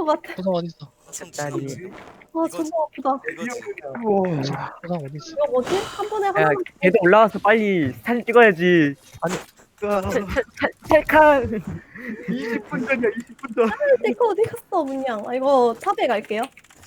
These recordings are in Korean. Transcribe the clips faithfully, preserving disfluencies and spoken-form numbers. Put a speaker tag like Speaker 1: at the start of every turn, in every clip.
Speaker 1: 것 같아.
Speaker 2: 보상 어딨어?
Speaker 3: 손
Speaker 4: 딸이.
Speaker 3: 지나면
Speaker 1: 와 존나 아프다.
Speaker 3: 이거지.
Speaker 2: 보상 어딨어?
Speaker 1: 이거 뭐지? 한 번에
Speaker 4: 야,
Speaker 1: 하나만.
Speaker 4: 걔도 올라와서 빨리 사진 찍어야지.
Speaker 5: 아니
Speaker 4: 찰칵.
Speaker 5: 이십 분 전이야 이십 분 전.
Speaker 1: 데크 어디 갔어 문양? 아 이거 탑에 갈게요.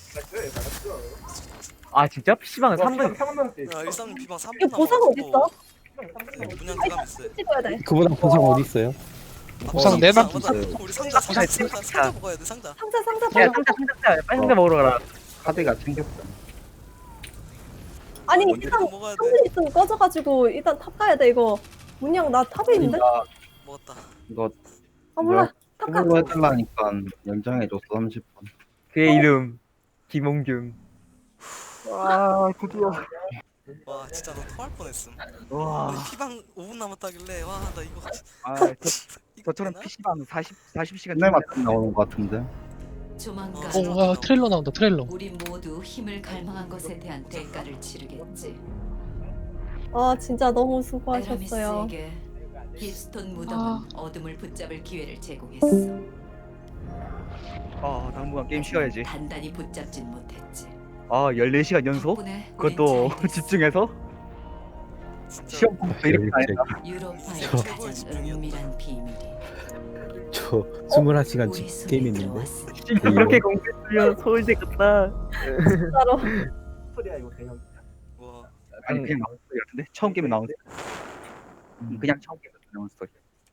Speaker 4: 아 진짜? 피시방은 삼 분.
Speaker 3: 야 일삼 피방 삼
Speaker 1: 이거
Speaker 3: 분
Speaker 1: 보상 어디 있어?
Speaker 3: 문양 들어가면 있어.
Speaker 1: 찍어야 돼.
Speaker 6: 그보다 보상 어디 있어요?
Speaker 2: 보상 네 만
Speaker 3: 맞다. 우리 상자 상자 상자 상자 먹어야 돼 상자.
Speaker 1: 상자 상자
Speaker 4: 야
Speaker 1: 봐.
Speaker 4: 상자 상자 빨리 상자 먹으러 가라.
Speaker 5: 카드가 챙겼어.
Speaker 1: 아니
Speaker 3: 먼저
Speaker 1: 일단
Speaker 3: 먹어야 돼.
Speaker 1: 상자 있으면 꺼져가지고 일단 탑 가야 돼 이거. 문양 나 탑에 있는데?
Speaker 5: 나
Speaker 3: 먹었다.
Speaker 5: 이거
Speaker 1: 아 몰라. 탑 가.
Speaker 5: 이걸로 해달라니까 연장해줬어 삼십 분.
Speaker 4: 그의 이름 김홍균.
Speaker 5: 와 드디어.
Speaker 3: 와 진짜 너 토할 뻔했음.
Speaker 5: 와.
Speaker 3: 우리 피방 오 분 남았다길래 와 나 이거
Speaker 5: 아
Speaker 3: 이거
Speaker 5: 저처럼
Speaker 3: 되나?
Speaker 5: 피시방 사십 사십 시간 맨날 맞 나오는 것 같은데.
Speaker 7: 조만간
Speaker 3: 어,
Speaker 2: 오, 와, 트레일러 나온다, 트레일러.
Speaker 7: 우리 모두 힘을 갈망한 것에 대한 대가를 치르겠지.
Speaker 1: 아 진짜 너무 수고하셨어요.
Speaker 7: 에라미스에게 힐스톤 무덤은
Speaker 2: 아.
Speaker 7: 어둠을 붙잡을 기회를 제공했어.
Speaker 5: 아 당분간 게임 쉬어야지.
Speaker 7: 단단히 붙잡진 못했지.
Speaker 5: 아 열네 시간 연속?
Speaker 7: 덕분에
Speaker 5: 그것도
Speaker 7: 우린 잘 됐어.
Speaker 5: 집중해서?
Speaker 3: 진짜
Speaker 5: 시험 공부도 이렇게 안 했다.
Speaker 7: 유로파의
Speaker 3: 최고의
Speaker 7: 가장
Speaker 3: 집중이었다.
Speaker 7: 은밀한 비밀이
Speaker 6: 저 스물한 시간
Speaker 7: 우리
Speaker 6: 집
Speaker 7: 손에
Speaker 6: 게임 했는데.
Speaker 7: 들어왔어.
Speaker 4: 진짜 그렇게 공부했으면 서울대 갔다.
Speaker 1: 진짜로.
Speaker 3: 와
Speaker 5: 아니 그냥 나온 스토리 같은데? 처음 게임에 나온 스토리. 음, 그냥 처음 게임에 나온 스토리.